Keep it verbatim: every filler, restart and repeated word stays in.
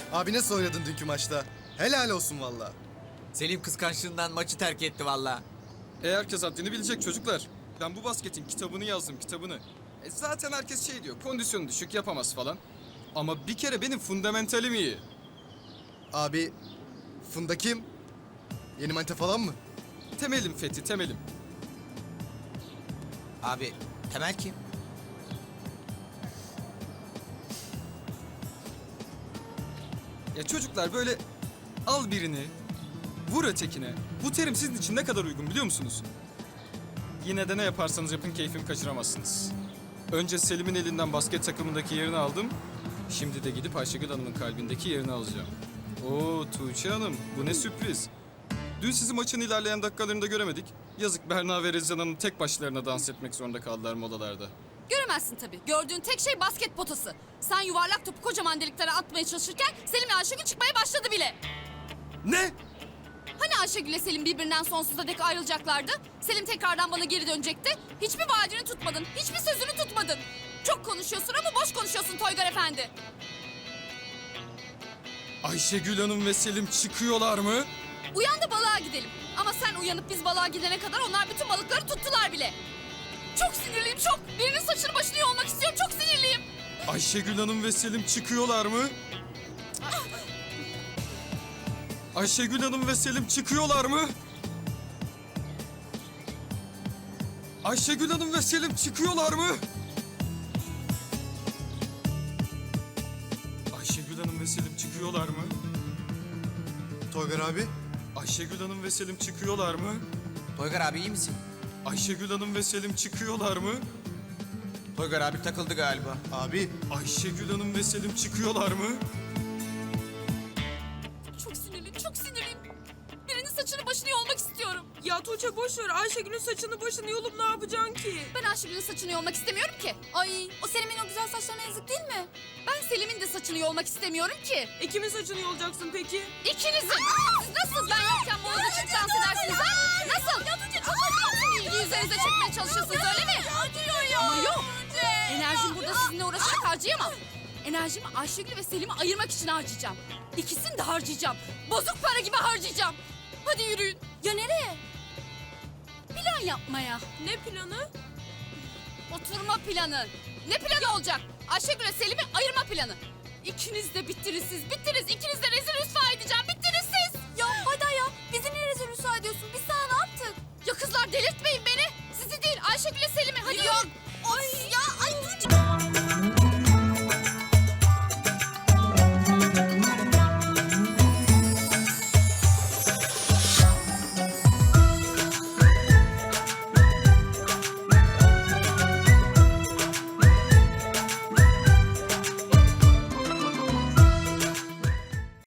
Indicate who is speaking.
Speaker 1: Abi nasıl oynadın dünkü maçta? Helal olsun valla.
Speaker 2: Selim kıskançlığından maçı terk etti valla.
Speaker 3: E herkes haddini bilecek çocuklar. Ben bu basketin kitabını yazdım, kitabını. E zaten herkes şey diyor, kondisyonu düşük, yapamaz falan. Ama bir kere benim fundamentalim iyi.
Speaker 1: Abi Funda kim? Yeni manita falan mı?
Speaker 3: Temelim Fethi, temelim.
Speaker 2: Abi Temel kim?
Speaker 3: Ya çocuklar böyle al birini, vur ötekine. Bu terim sizin için ne kadar uygun biliyor musunuz? Yine de ne yaparsanız yapın keyfimi kaçıramazsınız. Önce Selim'in elinden basket takımındaki yerini aldım. Şimdi de gidip Ayşegül Hanım'ın kalbindeki yerini alacağım. Oo Tuğçe Hanım, bu ne sürpriz. Dün sizi maçın ilerleyen dakikalarında göremedik. Yazık Berna ve Rezan Hanım tek başlarına dans etmek zorunda kaldılar molalarda.
Speaker 4: Göremezsin tabii. Gördüğün tek şey basket potası. Sen yuvarlak topu kocaman deliklere atmaya çalışırken Selim ve Ayşegül çıkmaya başladı bile.
Speaker 3: Ne?
Speaker 4: Hani Ayşegül ile Selim birbirinden sonsuza dek ayrılacaklardı? Selim tekrardan bana geri dönecekti. Hiçbir vaadini tutmadın. Hiçbir sözünü tutmadın. Çok konuşuyorsun ama boş konuşuyorsun Toygar Efendi.
Speaker 3: Ayşegül Hanım ve Selim çıkıyorlar mı?
Speaker 4: Uyan da balığa gidelim. Ama sen uyanıp biz balığa gidene kadar onlar bütün balıkları tuttular bile. Çok sinirliyim çok. Birinin saçını başını yolmak istiyorum. Çok sinirliyim.
Speaker 3: Ayşegül Hanım ve Selim çıkıyorlar mı? Ayşegül Hanım ve Selim çıkıyorlar mı? Ayşegül Hanım ve Selim çıkıyorlar mı? Ayşegül Hanım ve Selim çıkıyorlar mı?
Speaker 1: Toygar abi.
Speaker 3: Ayşegül Hanım ve Selim çıkıyorlar mı?
Speaker 2: Toygar abi iyi misin?
Speaker 3: Ayşegül Hanım ve Selim çıkıyorlar mı?
Speaker 2: Toygar abi takıldı galiba.
Speaker 1: Abi
Speaker 3: Ayşegül Hanım ve Selim çıkıyorlar mı?
Speaker 4: Çok sinirliyim, çok sinirliyim. Birinin saçını başını yolmak istiyorum.
Speaker 5: Ya Tuğçe boş ver. Ayşegül'ün saçını başını yolup ne yapacaksın ki?
Speaker 4: Ben Ayşegül'ün saçını yolmak istemiyorum ki. Ay, o Selim'in o güzel saçlarına yazık değil mi? Ben Selim'in de saçını yolmak istemiyorum ki.
Speaker 5: E kimin saçını yolacaksın peki?
Speaker 4: İkinizin. Siz nasıl ben yokken bu odada çık dans edersiniz ha? Nasıl? Ya Tuğçe çok acıyorsun. İlgi üzerinize çekmeye çalışıyorsunuz öyle mi?
Speaker 5: Acıyor ya.
Speaker 4: Ama yok. Enerjim burada sizinle uğraşarak harcayamam. Enerjimi Ayşegül ve Selim'i ayırmak için harcayacağım. İkisini de harcayacağım. Bozuk para gibi harcayacağım. Hadi yürüyün. Ya nereye? Plan yapmaya.
Speaker 5: Ne planı?
Speaker 4: Oturma planı. Ne planı olacak? Ayşegül'e Selim'i ayırma planı. İkiniz de bittiniz siz. Bittiniz. İkiniz de